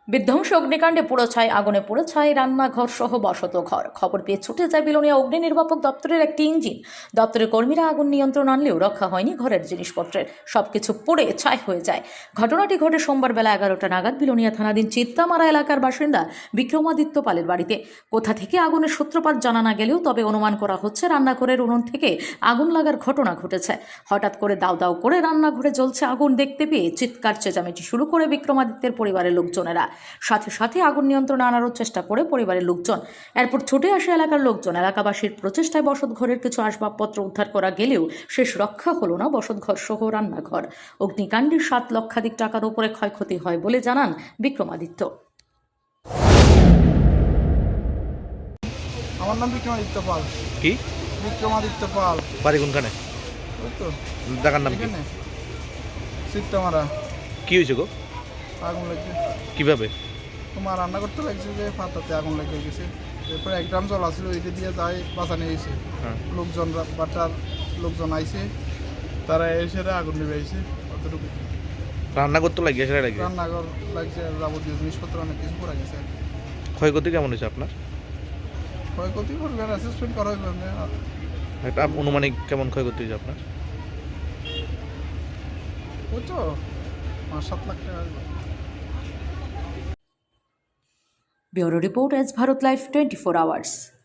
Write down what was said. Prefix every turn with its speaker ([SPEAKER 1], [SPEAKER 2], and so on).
[SPEAKER 1] বিধ্বংসী অগ্নিকাণ্ডে পুড়ো ছাই, আগুনে পুড়ো ছাই রান্নাঘর সহ বসত ঘর। খবর পেয়ে ছুটে যায় বিলোনিয়া অগ্নি নির্বাপক দপ্তরের একটি ইঞ্জিন। দপ্তরের কর্মীরা আগুন নিয়ন্ত্রণ আনলেও রক্ষা হয়নি ঘরের জিনিসপত্রের, সবকিছু পুড়ে ছাই হয়ে যায়। ঘটনাটি ঘটে সোমবার বেলা 11টা নাগাদ বিলোনিয়া থানাধীন চিত্তামারা এলাকার বাসিন্দা বিক্রমাদিত্য পালের বাড়িতে। কোথা থেকে আগুনের সূত্রপাত জানা না গেলেও তবে অনুমান করা হচ্ছে রান্নাঘরের উনুন থেকে আগুন লাগার ঘটনা ঘটেছে। হঠাৎ করে দাউ দাউ করে রান্নাঘরে জ্বলছে আগুন দেখতে পেয়ে চিৎকার চেঁচামেচি শুরু করে বিক্রমাদিত্যের পরিবারের লোকজনেরা। সাথে সাথে আগুন নিয়ন্ত্রণে আনারও চেষ্টা করে পরিবারের লোকজন। এরপর ছুটে আসে এলাকার লোকজন। এলাকাবাসীর প্রচেষ্টায় বসতঘরের কিছু আসবাবপত্র উদ্ধার করা গেলেও শেষ রক্ষা হলো না বসতঘর সহ রান্নাঘর। অগ্নিকাণ্ডে 7 লক্ষাধিক টাকার উপরে ক্ষয়ক্ষতি হয় বলে জানান বিক্রমাদিত্য।
[SPEAKER 2] আমার নাম বিক্রমাদিত্য পাল।
[SPEAKER 3] কি
[SPEAKER 2] বিক্রমাদিত্য পাল।
[SPEAKER 3] বাড়ি কোনখানে?
[SPEAKER 2] ওই তো
[SPEAKER 3] জায়গার নাম কি?
[SPEAKER 2] এখানে চিত্তামারা।
[SPEAKER 3] কি হয়েছে গো?
[SPEAKER 2] আগুন লেগে
[SPEAKER 3] কিভাবে?
[SPEAKER 2] তোমার রান্না করতে লাগছে যে পাতাতে আগুন লেগে গেছে। এরপরে এক ড্রাম জল আসছিল, ওইটা দিয়ে যাই বাঁচানো হয়েছে। লোকজন বাটার লোকজন আইছে, তারা এসে আগুন নেমে আইছে। অতটুকু
[SPEAKER 3] রান্না করতে লাগিয়ে সেটা লাগে
[SPEAKER 2] রান্নাঘর লাগছে, যাবতীয় জিনিসপত্র অনেক কিছু পড়ে গেছে।
[SPEAKER 3] ক্ষয়ক্ষতি কেমন হয়েছে আপনার?
[SPEAKER 2] ক্ষয়ক্ষতি করবে অ্যাসেসমেন্ট করা হইবে।
[SPEAKER 3] একটা অনুমানিক কেমন ক্ষয়ক্ষতি হয়েছে আপনার?
[SPEAKER 2] বুঝছো 5-7 লাখ টাকা।
[SPEAKER 1] Bureau report, S Bharat live 24 hours.